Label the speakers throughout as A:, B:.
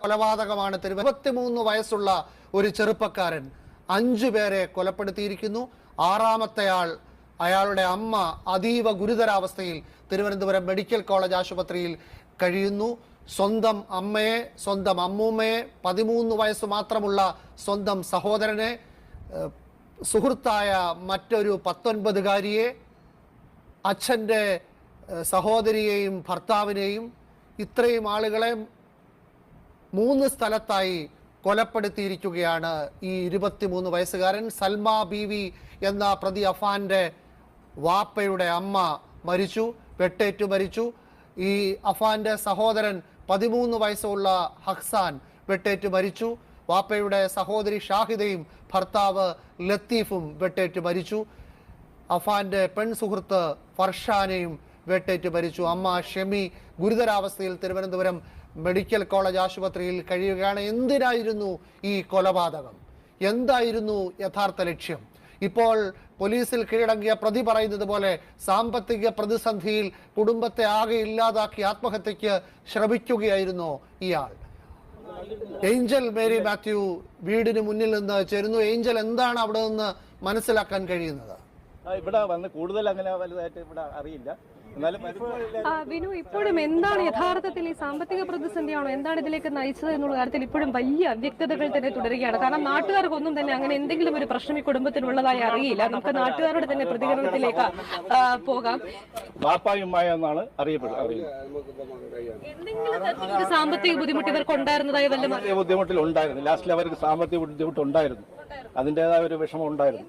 A: കൊലപാതകമാണ്. 23 വയസ്സുള്ള ഒരു ചെറുപ്പക്കാരൻ 5 പേരെ കൊലപ്പെടുത്തിയിരിക്കുന്നു. 6ാമത്തെ ആൾ, അയാളുടെ അമ്മ അതീവ ഗുരുതരാവസ്ഥയിൽ തിരുവനന്തപുരം മെഡിക്കൽ കോളേജ് ആശുപത്രിയിൽ കഴിയുന്നു. സ്വന്തം അമ്മയെ, സ്വന്തം അമ്മൂമ്മയെ, 13 വയസ്സ് മാത്രമുള്ള സ്വന്തം സഹോദരനെ, സുഹൃത്തായ മറ്റൊരു 19കാരിയെ, അച്ഛൻ്റെ സഹോദരിയെയും ഭർത്താവിനെയും, ഇത്രയും ആളുകളെ 3 സ്ഥലത്തായി കൊലപ്പെടുത്തിയിരിക്കുകയാണ് ഈ 23 വയസ്സുകാരൻ. സൽമ ബീവി എന്ന പ്രതി അഫാന്റെ വാപ്പയുടെ അമ്മ മരിച്ചു, വെട്ടേറ്റു മരിച്ചു. ഈ അഫാന്റെ സഹോദരൻ 13 വയസ്സുള്ള ഹക്സാൻ വെട്ടേറ്റു മരിച്ചു. വാപ്പയുടെ സഹോദരി ഷാഹിദയും ഭർത്താവ് ലത്തീഫും വെട്ടേറ്റു മരിച്ചു. അഫാന്റെ പെൺസുഹൃത്ത് ഫർഷാനെയും വെട്ടേറ്റ് മരിച്ചു. അമ്മ ഷെമി ഗുരുതരാവസ്ഥയിൽ തിരുവനന്തപുരം മെഡിക്കൽ കോളേജ് ആശുപത്രിയിൽ കഴിയുകയാണ്. എന്തിനായിരുന്നു ഈ കൊലപാതകം? എന്തായിരുന്നു യഥാർത്ഥ ലക്ഷ്യം? ഇപ്പോൾ പോലീസിൽ കീഴടങ്ങിയ പ്രതി പറയുന്നത് പോലെ സാമ്പത്തിക പ്രതിസന്ധിയിൽ കുടുംബത്തെ ആകെ ഇല്ലാതാക്കി ആത്മഹത്യക്ക് ശ്രമിക്കുകയായിരുന്നോ ഇയാൾ? ഏഞ്ചൽ മേരി മാത്യു വീടിന് മുന്നിൽ നിന്ന് ചേരുന്നു. ഏഞ്ചൽ, എന്താണ് അവിടെ നിന്ന് മനസ്സിലാക്കാൻ കഴിയുന്നത്?
B: ഇവിടെ വന്ന് കൂടുതൽ അങ്ങനെ വലുതായിട്ട് ഇവിടെ അറിയില്ല.
C: വിനു, ഇപ്പോഴും എന്താണ് യഥാർത്ഥത്തിൽ ഈ സാമ്പത്തിക പ്രതിസന്ധിയാണോ, എന്താണ് ഇതിലേക്ക് നയിച്ചത് എന്നുള്ള കാര്യത്തിൽ ഇപ്പോഴും വലിയ അവ്യക്തതകൾ തന്നെ തുടരുകയാണ്. കാരണം നാട്ടുകാർക്കൊന്നും തന്നെ അങ്ങനെ എന്തെങ്കിലും ഒരു പ്രശ്നം ഈ കുടുംബത്തിനുള്ളതായി അറിയില്ല. നമുക്ക് നാട്ടുകാരുടെ തന്നെ പ്രതികരണത്തിലേക്ക് പോകാം.
B: എന്നാണ് അറിയപ്പെടുന്നത്.
C: എന്തെങ്കിലും സാമ്പത്തിക ബുദ്ധിമുട്ട് ഇവർക്ക് ഉണ്ടായിരുന്നതായി വല്ല
B: ബുദ്ധിമുട്ടിൽ ഉണ്ടായിരുന്നു. ലാസ്റ്റിൽ അവർക്ക് സാമ്പത്തിക ബുദ്ധിമുട്ടുണ്ടായിരുന്നു, അതിൻ്റെതായ ഒരു വിഷമം ഉണ്ടായിരുന്നു.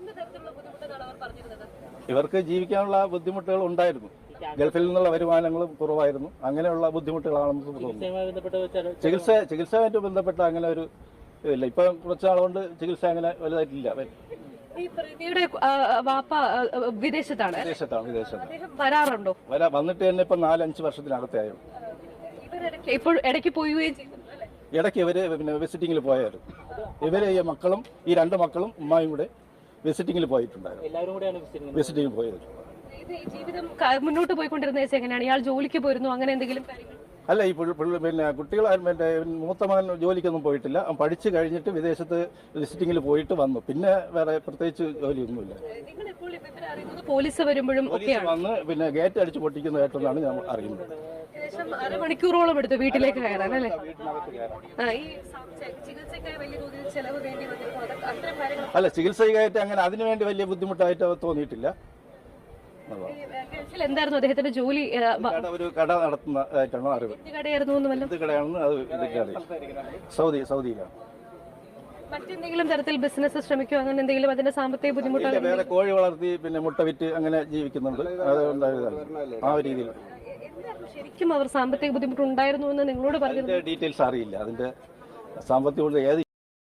B: ഇവർക്ക് ജീവിക്കാനുള്ള ബുദ്ധിമുട്ടുകൾ ഉണ്ടായിരുന്നു. ഗൾഫിൽ നിന്നുള്ള വരുമാനങ്ങളും കുറവായിരുന്നു. അങ്ങനെയുള്ള ബുദ്ധിമുട്ടുകളാണെന്ന് തോന്നുന്നു. ചികിത്സയുമായിട്ട് ബന്ധപ്പെട്ട അങ്ങനെ ഒരു ഇല്ല. ഇപ്പൊ കുറച്ച് നാളുകൊണ്ട് ചികിത്സ അങ്ങനെ വലുതായിട്ടില്ല.
C: വിദേശത്താണ്.
B: വരാറുണ്ടോ? വന്നിട്ട് തന്നെ ഇപ്പൊ 4-5 വർഷത്തിനകത്തായോ.
C: ഇപ്പോൾ ഇടയ്ക്ക് പോവുകയും ചെയ്തു.
B: ഇടയ്ക്ക് ഇവര് പിന്നെ വിസിറ്റിങ്ങിൽ പോയായിരുന്നു. ഇവരെ ഈ മക്കളും ഈ 2 മക്കളും ഉമ്മായും കൂടെ വിസിറ്റിങ്ങിൽ പോയിട്ടുണ്ടായിരുന്നു. വിസിറ്റിങ്ങിൽ പോയത്.
C: ജീവിതം മുന്നോട്ട് പോയിക്കൊണ്ടിരുന്ന എങ്ങനെയാണ്? ഇയാൾ ജോലിക്ക് പോയിരുന്നു, അങ്ങനെ എന്തെങ്കിലും?
B: അല്ല, ഈ പിന്നെ കുട്ടികൾ മൂത്ത മകൻ ജോലിക്കൊന്നും പോയിട്ടില്ല. പഠിച്ചു കഴിഞ്ഞിട്ട് വിദേശത്ത് വിസിറ്റിങ്ങിൽ പോയിട്ട് വന്നു. പിന്നെ വേറെ പ്രത്യേകിച്ച് ജോലിയൊന്നുമില്ല.
C: പോലീസ് വരുമ്പോഴും
B: വന്ന് പിന്നെ ഗേറ്റ് അടിച്ച് പൊട്ടിക്കുന്നതായിട്ടെന്നാണ് ഞാൻ അറിയുന്നത്.
C: മണിക്കൂറോളം എടുത്തു വീട്ടിലേക്ക് കയറാൻ, അല്ലേ?
B: അല്ല, ചികിത്സയ്ക്കായിട്ട് അങ്ങനെ അതിനുവേണ്ടി വലിയ ബുദ്ധിമുട്ടായിട്ട് തോന്നിയിട്ടില്ല.
C: എന്തായിരുന്നു അദ്ദേഹത്തിന്റെ ജോലി?
B: ഒരു കട നടത്തുന്നതായിട്ടാണ് അറിവ്. കടയാണെന്ന് സൗദിയിലാണ്.
C: മറ്റെന്തെങ്കിലും തരത്തിൽ ബിസിനസ് ശ്രമിക്കുക, അങ്ങനെ എന്തെങ്കിലും? അതിന്റെ സാമ്പത്തിക ബുദ്ധിമുട്ടുകൾ?
B: വേറെ കോഴി വളർത്തി പിന്നെ മുട്ട വിറ്റ് അങ്ങനെ ജീവിക്കുന്നുണ്ട്. ആ ഒരു രീതിയിൽ.
C: ശരിക്കും അവർ സാമ്പത്തിക ബുദ്ധിമുട്ടുണ്ടായിരുന്നു എന്ന് നിങ്ങളോട് പറഞ്ഞു?
B: ഡീറ്റെയിൽസ് അറിയില്ല. അതിന്റെ സാമ്പത്തിക ഏത്